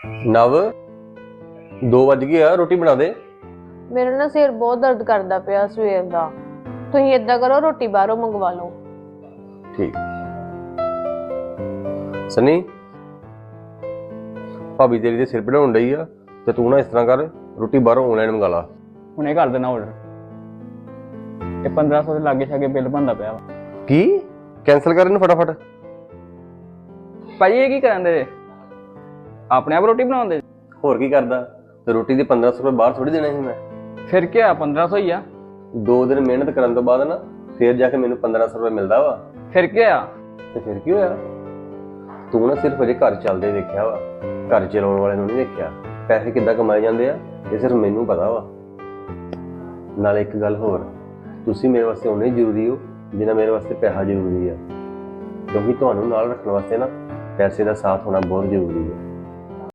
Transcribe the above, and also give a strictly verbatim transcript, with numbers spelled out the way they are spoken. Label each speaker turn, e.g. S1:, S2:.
S1: ਨਵ ਦੋ ਵੱਜ ਗਏ ਆ, ਰੋਟੀ ਬਣਾ ਦੇ।
S2: ਮੇਰਾ ਨਾ ਸਿਰ ਬਹੁਤ ਦਰਦ ਕਰਦਾ ਪਿਆ ਸਵੇਰ ਦਾ। ਤੁਸੀਂ ਏਦਾਂ ਕਰੋ, ਰੋਟੀ ਬਾਹਰੋਂ ਮੰਗਵਾ ਲਓ।
S1: ਠੀਕ। ਸਨੀ, ਭਾਬੀ ਤੇਰੀ ਦੇ ਸਿਰ ਪੜਾਉਣ ਡਈ ਆ ਤੇ ਤੂੰ ਨਾ ਇਸ ਤਰ੍ਹਾਂ ਕਰ, ਰੋਟੀ ਬਾਹਰੋਂ ਆਨਲਾਈਨ ਮੰਗਾ ਲਾ।
S3: ਹੁਣੇ ਕਰ ਦੇਣਾ ਆਰਡਰ। ਇਹ ਪੰਦਰਾਂ ਸੌ ਦੇ ਲਾਗੇ ਛਾਗੇ ਬਿੱਲ ਬਣਦਾ ਪਿਆ ਵਾ।
S1: ਕੀ? ਕੈਂਸਲ ਕਰ ਇਹਨੂੰ ਫਟਾਫਟ।
S3: ਭਾਜੀ ਇਹ ਕੀ ਕਰਨ ਦੇ? ਆਪਣੇ ਆਪ ਰੋਟੀ ਬਣਾਉਂਦੇ?
S1: ਹੋਰ ਕੀ ਕਰਦਾ? ਤੇ ਰੋਟੀ ਦੇ ਪੰਦਰਾਂ ਸੌ ਰੁਪਏ ਬਾਹਰ ਥੋੜੀ ਦੇਣੇ ਸੀ ਮੈਂ।
S3: ਫਿਰ ਕੀ ਆ, ਪੰਦਰਾਂ ਸੌ ਹੀ ਆ।
S1: ਦੋ ਦਿਨ ਮਿਹਨਤ ਕਰਨ ਤੋਂ ਬਾਅਦ ਨਾ ਫੇਰ ਜਾ ਕੇ ਮੈਨੂੰ ਪੰਦਰਾਂ ਸੌ ਰੁਪਏ ਮਿਲਦਾ ਵਾ।
S3: ਫਿਰ ਕੀ ਆ?
S1: ਤੇ ਫਿਰ ਕੀ ਹੋਇਆ? ਤੂੰ ਨਾ ਸਿਰਫ ਅਜੇ ਘਰ ਚੱਲਦੇ ਦੇਖਿਆ ਵਾ, ਘਰ ਚਲਾਉਣ ਵਾਲੇ ਨੂੰ ਨਹੀਂ ਦੇਖਿਆ। ਪੈਸੇ ਕਿੱਦਾਂ ਕਮਾਏ ਜਾਂਦੇ ਆ ਇਹ ਸਿਰਫ ਮੈਨੂੰ ਪਤਾ ਵਾ। ਨਾਲ ਇੱਕ ਗੱਲ ਹੋਰ, ਤੁਸੀਂ ਮੇਰੇ ਵਾਸਤੇ ਉਨੇ ਜ਼ਰੂਰੀ ਹੋ ਜਿੰਨਾ ਮੇਰੇ ਵਾਸਤੇ ਪੈਸਾ ਜ਼ਰੂਰੀ ਆ, ਕਿਉਂਕਿ ਤੁਹਾਨੂੰ ਨਾਲ ਰੱਖਣ ਵਾਸਤੇ ਨਾ ਪੈਸੇ ਦਾ ਸਾਥ ਹੋਣਾ ਬਹੁਤ ਜ਼ਰੂਰੀ ਹੈ।